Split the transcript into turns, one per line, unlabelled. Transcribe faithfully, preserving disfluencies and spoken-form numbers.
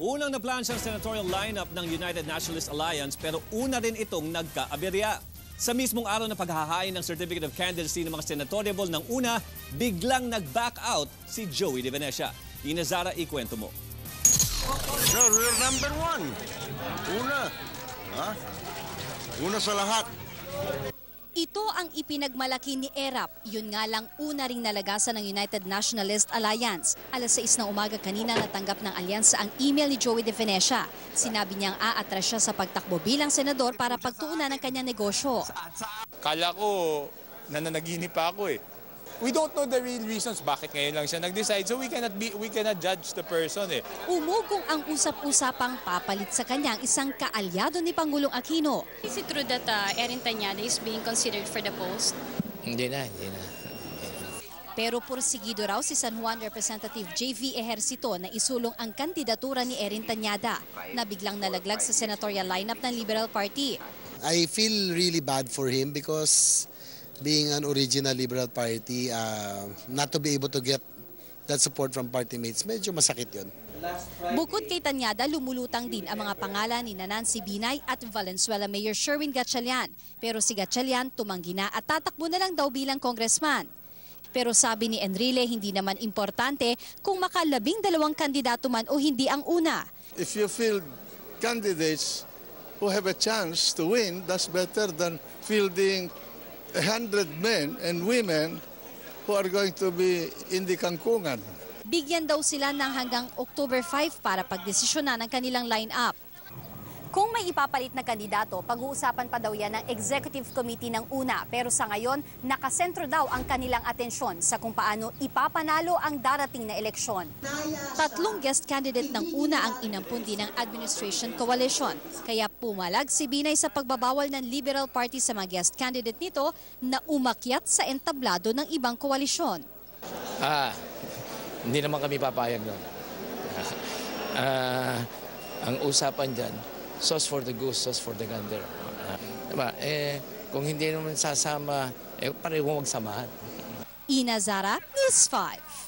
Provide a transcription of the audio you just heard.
Unang naplansya ang senatorial lineup ng United Nationalist Alliance pero una rin itong nagkaaberya. Sa mismong araw ng paghahain ng Certificate of Candidacy ng mga senatoriable ng una, biglang nag-back out si Joey De Venecia. Ina Zara, ikwento mo.
Sir, we're number one. Una. Ha? Una sa lahat.
Ito ang ipinagmalaki ni Erap. Yun nga lang una ring nalagasan ng United Nationalist Alliance. Alas sais ng umaga kanina natanggap ng alyansa ang email ni Joey De Venecia. Sinabi niyang aatras siya sa pagtakbo bilang senador para pagtuunan ng kanyang negosyo.
Kala ko nananaginip pa ako eh. We don't know the real reasons bakit ngayon lang siya nag-decide, so we cannot be we cannot judge the person eh.
Umugong ang usap-usapang papalit sa kanyang isang kaalyado ni Pangulong Aquino.
Is it true that uh, Erin Tanyada is being considered for the post?
Hindi na, hindi na.
Pero pursigido raw si San Juan Representative J V Ejercito na isulong ang kandidatura ni Erin Tanyada na biglang nalaglag sa senatorial lineup ng Liberal Party.
I feel really bad for him because being an original Liberal Party, uh, not to be able to get that support from party mates, medyo masakit yun.
Bukod kay Tanyada, lumulutang din ang mga pangalan ni Nancy Binay at Valenzuela Mayor Sherwin Gatchalian. Pero si Gatchalian tumanggi na at tatakbo na lang daw bilang congressman. Pero sabi ni Enrile, hindi naman importante kung makalabing dalawang kandidato man o hindi ang una.
If you field candidates who have a chance to win, that's better than fielding a hundred men and women who are going to be in the kangkungan.
Bigyan daw sila ng hanggang October five para pagdesisyonan ng kanilang line-up. Kung may ipapalit na kandidato, pag-uusapan pa daw yan ng Executive Committee ng una. Pero sa ngayon, nakasentro daw ang kanilang atensyon sa kung paano ipapanalo ang darating na eleksyon. Tatlong guest candidate ng una ang inampun din ng Administration Coalition. Kaya pumalag si Binay sa pagbabawal ng Liberal Party sa mga guest candidate nito na umakyat sa entablado ng ibang koalisyon.
Ah, hindi naman kami papayag nun. Ah, ang usapan dyan, sauce for the goose, sauce for the gander. Uh, diba? Eh, kung hindi naman sasama, eh, pareho magsamahan.
Ina Zara, News five.